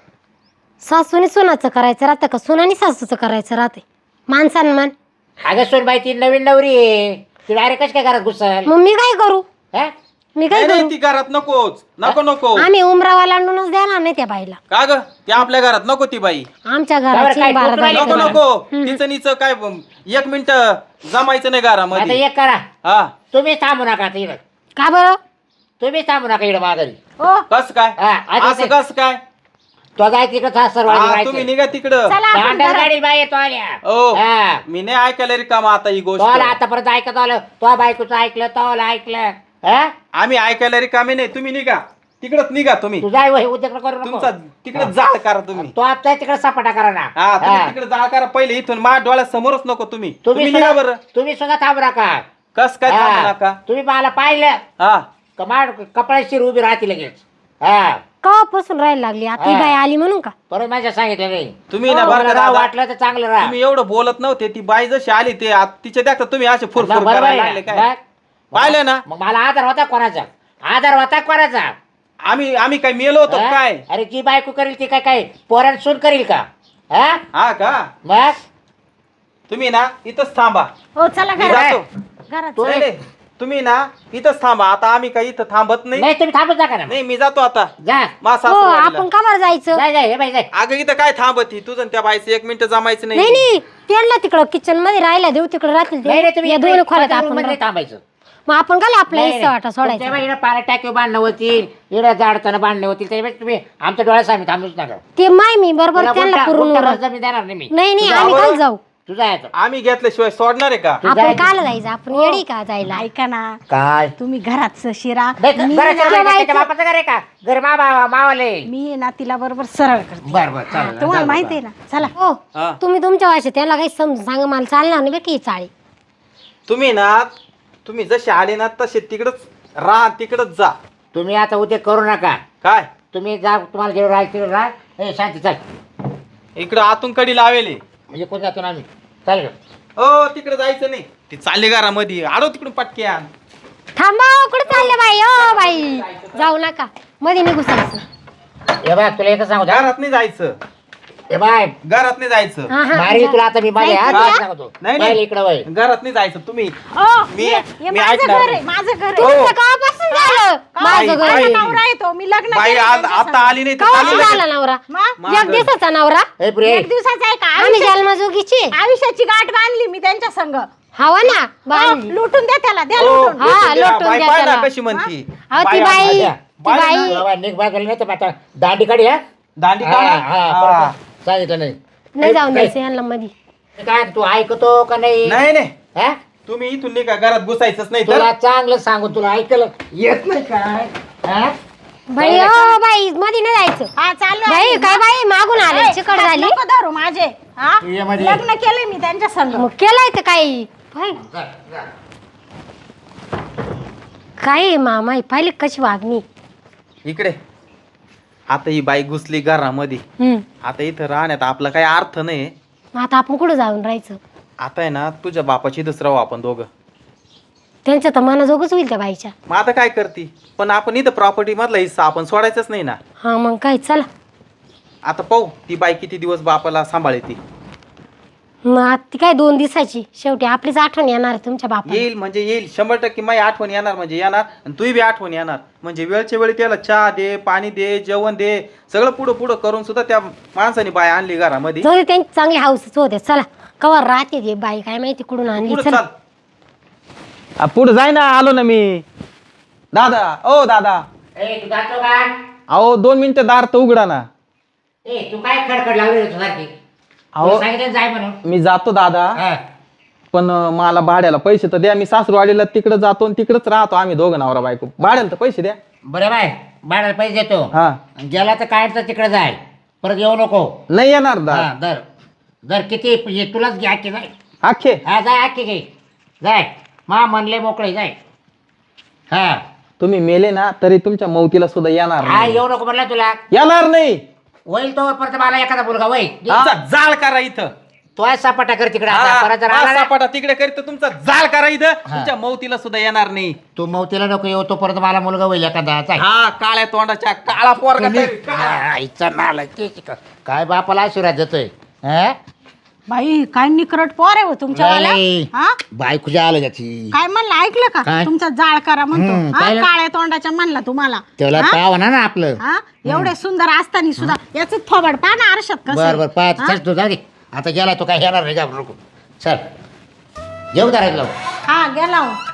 Speaker 1: सासूने सुनाचं करायचं राहतं का सुनाने सासूचं करायचं राहते? मान सन्मान.
Speaker 3: अगं सोनबाई ती नवीन नवरी आहे. ती डायरेक्ट कशी काय घरात घुसल?
Speaker 1: मग मी काय करू?
Speaker 3: हा?
Speaker 1: मी काय
Speaker 2: नाही नाही,
Speaker 1: करू?
Speaker 2: ती घरात नकोच. नको
Speaker 1: आम्ही उमरावा लांडूनच देणार नाही त्या बाईला.
Speaker 2: का ग? ती आपल्या घरात नको ती बाई.
Speaker 1: आमच्या
Speaker 3: बरं,
Speaker 1: घराची
Speaker 3: काय
Speaker 1: बारा
Speaker 3: कुत्रा
Speaker 2: नको
Speaker 1: दारी.
Speaker 2: नको. तिचं निचं काय एक मिनिट जमायचं नाही
Speaker 3: आता
Speaker 2: घरामध्ये.
Speaker 3: एक करा
Speaker 2: हा
Speaker 3: तुम्ही थांबू नका आता इकडं.
Speaker 1: का बरं?
Speaker 3: तुम्ही थांबू नका इकडं माघारी.
Speaker 4: हो
Speaker 2: कस काय?
Speaker 3: हा, आधी
Speaker 2: असं
Speaker 3: ते-
Speaker 2: कस काय?
Speaker 3: तो जाय तिकडं सर्व
Speaker 2: हा, तुम्ही निघा तिकडं.
Speaker 4: चला आपण घरात.
Speaker 3: गाडी बाई येतो आल्या.
Speaker 2: ओ
Speaker 3: हा.
Speaker 2: मी नाही ऐकायला रिकामा आता ही गोष्ट.
Speaker 3: तोला आतापर्यंत ऐकत आलं. तो बायकोचं ऐकलं तोला ऐकलं. हा
Speaker 2: आम्ही ऐकायला रिकामे नाही. तुम्ही निघा तिकडच निघा. तुम्ही
Speaker 3: तुझा वय उद्योग करू नको.
Speaker 2: तुमचा तिकडे जाळ करा तुम्ही.
Speaker 3: तो आपचा तिकडे सपाटा करा ना.
Speaker 2: हा तुम्ही
Speaker 3: हा.
Speaker 2: तिकडे जाळ करा पहिले. इथून माझ्या डोळ्यासमोरच नको तुम्ही. तुम्ही
Speaker 3: तुम्ही
Speaker 2: निघा बरं.
Speaker 3: तुम्ही सुद्धा थांबू नका.
Speaker 2: कस काय थांबू
Speaker 3: हा.
Speaker 2: नका?
Speaker 3: तुम्ही मला पाहिलं
Speaker 2: हा
Speaker 3: कमाड कपड्याची शिर उभी राहते लगेच. हा
Speaker 1: कवापासून राहायला लागली आता ही
Speaker 3: हा.
Speaker 1: बाई आली म्हणून का?
Speaker 3: परत माझ्या सांगितलं नाही.
Speaker 2: तुम्ही ना बरं
Speaker 3: तुम्हाला
Speaker 2: का
Speaker 3: राव
Speaker 2: दादा,
Speaker 3: वाटलं तर चांगलं राहा.
Speaker 2: तुम्ही एवढं बोलत नव्हते. ती बाई जशी आली ते तिच्या देखता तुम्ही असे फुरफुर
Speaker 3: बरोबर
Speaker 2: करायला
Speaker 3: आहे
Speaker 2: लागले
Speaker 3: ना?
Speaker 2: काय?
Speaker 3: मग-
Speaker 2: पाहिलं ना?
Speaker 3: मग मला आधार होता कोणाचा? आधार होता कोणाचा?
Speaker 2: आम्ही काय मेलो होतो
Speaker 3: हा?
Speaker 2: काय?
Speaker 3: अरे जी बायको करील ती काय काय पोरांना सून करील का? हा
Speaker 2: हा का?
Speaker 3: मग
Speaker 2: तुम्ही ना इथंच थांबा.
Speaker 4: हो चला
Speaker 2: मी
Speaker 4: घरात.
Speaker 2: जातो.
Speaker 4: घरात
Speaker 3: तू-
Speaker 2: नाही, नाही. तुम्ही ना इथंच थांबा. आता आम्ही काही इथं थांबत नाही.
Speaker 3: नाही तुम्ही थांबत जा का ना.
Speaker 2: नाही मी जातो आता.
Speaker 3: जा
Speaker 2: मा
Speaker 1: हो
Speaker 2: सासूरवाडीला.
Speaker 1: आपण का बरं जायचं?
Speaker 3: जाय जाय हे बाई जाय.
Speaker 2: अगं इथं काय थांबत ही? तुझं आणि त्या बाईचं 1 मिनिट जमायचं
Speaker 1: नाही
Speaker 2: नाही.
Speaker 1: नाही त्यांना तिकडं किचन मध्ये राहायला देऊ. तिकडे राहतील
Speaker 3: नाही
Speaker 1: ते.
Speaker 3: नाही तुम्ही
Speaker 1: या दोन खोल्यात
Speaker 3: इकडे
Speaker 1: आपण
Speaker 3: room मध्ये
Speaker 1: राहू.
Speaker 3: थांबायचं.
Speaker 1: मग आपण का आपला
Speaker 3: नाही,
Speaker 1: हिस्सा वाटा
Speaker 3: नाही.
Speaker 1: सोडायचा?
Speaker 3: तुमच्या बाईनं पाण्यात टाकीवर बांधणं होतील. इकडे जाडताना बांधणे होतील. त्याच्यापेक्षा तुम्ही आमच्या डोळ्यासामी थांबूच नका.
Speaker 1: ते माय मी बरोबर
Speaker 3: तुला
Speaker 1: त्यांना
Speaker 3: गुंठा-
Speaker 1: पुरून
Speaker 3: गुंठाभर
Speaker 1: उरत.
Speaker 3: जमीन देणार नाही मी.
Speaker 1: नाही नाही
Speaker 2: तुझ्या
Speaker 1: आम्ही
Speaker 2: आवड-
Speaker 1: काल जाऊ.
Speaker 3: तू जायचं
Speaker 2: आम्ही घेतल्याशिवाय सोडणार आहे का
Speaker 1: आपण काल जायचं आपण येडी का जायला
Speaker 4: ऐका ना
Speaker 3: काय
Speaker 4: तुम्ही घरात शिरा
Speaker 3: नाही,
Speaker 4: मी
Speaker 3: घराचं
Speaker 4: ना-
Speaker 3: घर त्याच्या बापाचं घर आहे का घर मावाले
Speaker 4: मी आहे ना तिला बरोबर सरळ करते
Speaker 3: बर चालेल
Speaker 4: तुम्हाला माहिती आहे ना चला
Speaker 1: हो
Speaker 2: हा.
Speaker 1: तुम्ही तुमच्या भाषेत त्याला काही समजून सांगा मला चालणार नाही बेटी चाळी
Speaker 2: तुम्ही जसे आले ना तसे तिकडच राहा तिकडच जा
Speaker 3: तुम्ही आता उद्या करू नका
Speaker 2: काय
Speaker 3: तुम्ही जा तुम्हाला जेवढं राहायचं तेवढं राहा ए शांती चल
Speaker 2: इकडं आतून कडी लावेले
Speaker 3: म्हणजे कोण जातो ना आम्ही चालेल
Speaker 2: ओ तिकडे जायचं नाही ते चालले घरामध्ये आडो तिकडून पटक्यान
Speaker 1: थांबा कुठे चालले बाई ओ बाई जाऊ नका मध्ये निघू सांगतो
Speaker 3: हे बाय तुला एकच सांगू
Speaker 2: घरात नाही जायचं
Speaker 3: हे बाय
Speaker 2: घरात नाही जायचं
Speaker 1: हा हा
Speaker 3: मारी तुला आता मी माझ्या
Speaker 1: जायचं
Speaker 3: हात
Speaker 1: का?
Speaker 3: सांगतो
Speaker 2: नाही,
Speaker 3: नाही
Speaker 2: नाही.
Speaker 3: इकडे वय
Speaker 2: घरात नाही जायचं तुम्ही
Speaker 4: ओ,
Speaker 2: मी-
Speaker 4: हे
Speaker 2: मी
Speaker 4: माझं
Speaker 2: ऐकणार
Speaker 4: घर आहे
Speaker 2: नाही.
Speaker 4: माझं घर आहे
Speaker 1: तुमचं कवापासून झालं माझं घर
Speaker 2: बाई.
Speaker 4: माझा नवरा आहे तो मी लग्न
Speaker 2: बाई
Speaker 4: केलं
Speaker 2: आज
Speaker 4: त्यांच्या
Speaker 2: आता
Speaker 4: संग.
Speaker 2: आली नाही तर
Speaker 1: कवा
Speaker 2: चालली
Speaker 1: झाला नवरा
Speaker 4: मग?
Speaker 1: एक दिवसाचा नवरा
Speaker 3: ए प्रिय
Speaker 4: एक दिवसाचा आहे का
Speaker 1: आम्ही जन्मजोगीची
Speaker 4: आयुष्याची गाठ बांधली मी त्यांच्या संग
Speaker 1: हवा ना बाई
Speaker 4: लुटून द्या त्याला द्या
Speaker 2: ओ,
Speaker 4: लुटून
Speaker 1: हा,
Speaker 2: लुटून द्या.
Speaker 1: लुटून
Speaker 2: बाई
Speaker 1: द्या
Speaker 2: पाय ना
Speaker 1: त्याला.
Speaker 2: कशी म्हणती
Speaker 1: अहो ती
Speaker 2: बाई
Speaker 1: बाई
Speaker 2: आज-
Speaker 1: ती बाई
Speaker 3: बाबा निघ बाजूला नाही तर आता दांडी काढी हा
Speaker 2: दांडी
Speaker 3: हा,
Speaker 2: काढा.
Speaker 3: हा,
Speaker 2: हा.
Speaker 3: परत सांगितलं नाही
Speaker 1: नाही जाऊन
Speaker 3: काय?
Speaker 1: द्यायचं यांना मध्ये
Speaker 3: ते काय तू ऐकतो का नाही
Speaker 2: नाही नाही
Speaker 3: हा?
Speaker 2: तुम्ही इथून नाही का घरात घुसायचंच नाही तर
Speaker 3: तुला चांगलं सांगू तुला ऐकलं येत नाही काय हा?
Speaker 1: बाई ओ बाई मध्ये नाही जायचं
Speaker 4: हा चालू
Speaker 1: बाई
Speaker 4: आहे.
Speaker 1: काय बाई मागून आले
Speaker 4: ए,
Speaker 1: चिकट
Speaker 4: हात
Speaker 1: झाली
Speaker 4: नको धरू माझे हा
Speaker 3: तू ये मध्ये.
Speaker 4: लग्न केलंय मी त्यांच्या संग
Speaker 1: मग केलंय तर काही बाई,
Speaker 3: जा, जा.
Speaker 1: काय मामा पाहिली कशी वागणी
Speaker 2: इकडे आता ही बाई घुसली घरामध्ये आता इथं राहण्यात आपला काही अर्थ नाही
Speaker 1: मग आता आपण कुठं जाऊन राहायचं
Speaker 2: आता आहे ना तुझ्या बापाची राहू आपण दोघं
Speaker 1: त्यांच्या तर मनाजोगच होईल त्या बाईच्या
Speaker 2: मग आता काय करती पण आपण इथं प्रॉपर्टी मधला हिस्सा आपण सोडायचाच नाही ना
Speaker 1: हा मग काय चला
Speaker 2: आता पाहू ती बाई किती दिवस बापाला सांभाळते
Speaker 1: मग आता ती काय 2 दिवसाची शेवटी आपलीच आठवण येणार आहे तुमच्या बापा
Speaker 2: येईल म्हणजे येईल 100% माझी आठवण येणार म्हणजे येणार आणि तुही बी आठवण येणार म्हणजे वेळच्या वेळी त्याला चहा दे पाणी दे जेवण दे सगळं पुढं पुढं करून सुद्धा त्या माणसाने बाई आणली घरामध्ये
Speaker 1: जाऊ दे त्यांची चांगली हाऊसच होते चला कवर राहते ते बाई काय माहिती कुठून आणली
Speaker 2: पुढं
Speaker 1: चला
Speaker 2: चाल पुढं जाय ना आलो ना मी दादा ओ दादा
Speaker 3: ए तू जातो का
Speaker 2: अहो 2 मिनिटं दार तर उघडा ना
Speaker 3: ए तू काय खडखड लावली तू सारखी
Speaker 2: अहो
Speaker 3: तुला सांगितलं ना जाय म्हणून
Speaker 2: मी जातो दादा
Speaker 3: हा.
Speaker 2: पण मला भाड्याला पैसे तर द्या मी सासरवाडीला तिकडे जातो आणि तिकडेच राहतो आम्ही दोघं नवरा बायको भाड्याला तर पैसे द्या
Speaker 3: बरं बाय भाड्याला पैसे देतो
Speaker 2: हा
Speaker 3: गेला तर काय तर तिकडे जाय परत येऊ नको
Speaker 2: नाही येणार दा
Speaker 3: हा दर दर किती हे तुलाच घ्या की जाय
Speaker 2: आखे
Speaker 3: हा जाय आखी घे जाय मा म्हणले मोकळे जाय हा
Speaker 2: तुम्ही मेले ना तरी तुमच्या मौतीला सुद्धा येणार
Speaker 3: हा
Speaker 2: नाही.
Speaker 3: येऊ नको म्हणलं तुला
Speaker 2: येणार नाही
Speaker 3: होईल तो परत मला एखादा मुलगा होईल
Speaker 2: तुमचा जाळ करा इथं
Speaker 3: तो आहे सपाटा कर तिकडे आता परत जर आला ना,
Speaker 2: सापाटा तिकडे करीत तुमचा जाळ करा इथं तुमच्या मौतीला सुद्धा येणार नाही
Speaker 3: तू मौतीला नको येऊ तो परत मला मुलगा होईल एखादा जाय.
Speaker 2: हा काळ्या तोंडाच्या काळा पोरगा तरी.
Speaker 3: हा, इच्छा नाला काय बापाला आशीर्वाद देतोय हा?
Speaker 4: बाई काय निकरट पोर आहे हो तुमच्यावाला
Speaker 3: नाही.
Speaker 4: हा
Speaker 3: बायकोच्या आलं त्याची
Speaker 4: काय म्हणलं ऐकलं का
Speaker 3: काय?
Speaker 4: तुमचा जाळ करा म्हणतो
Speaker 3: हम्म,
Speaker 4: हा,
Speaker 3: पाहिलं?
Speaker 4: काळ्या तोंडाच्या म्हणला तुम्हाला
Speaker 3: त्याला
Speaker 4: हा?
Speaker 3: पाव ना आपलं
Speaker 4: हा एवढे सुंदर असताना सुद्धा याच थोबड पहा ना आरशात कसं
Speaker 3: बर
Speaker 4: आहे.
Speaker 3: बर पाहत
Speaker 4: हा?
Speaker 3: चल तू जाऊ दे आता गेला तो काय येणार नाही का नको चल येऊ दरायला
Speaker 4: हा गेला हो.